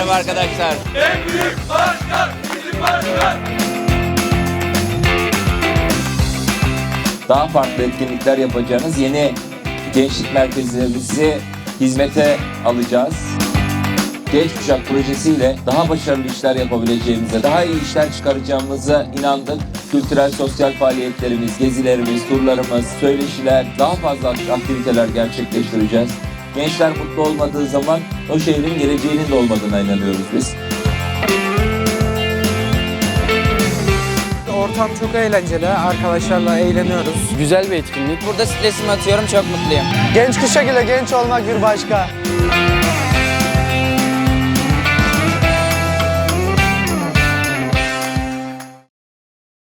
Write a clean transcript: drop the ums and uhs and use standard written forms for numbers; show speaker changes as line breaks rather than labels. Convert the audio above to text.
Merhaba arkadaşlar.
En büyük başkan bizim başkan.
Daha farklı etkinlikler yapacağınız yeni gençlik merkezlerimizi hizmete alacağız. Genç Kuşak projesiyle daha başarılı işler yapabileceğimize, daha iyi işler çıkaracağımıza inandık. Kültürel, sosyal faaliyetlerimiz, gezilerimiz, turlarımız, söyleşiler, daha fazla aktiviteler gerçekleştireceğiz. Gençler mutlu olmadığı zaman o şehrin geleceğinin de olmadığına inanıyoruz biz.
Ortam çok eğlenceli, arkadaşlarla eğleniyoruz.
Güzel bir etkinlik.
Burada stresimi atıyorum, çok mutluyum.
Genç kuşak ile genç olmak bir başka.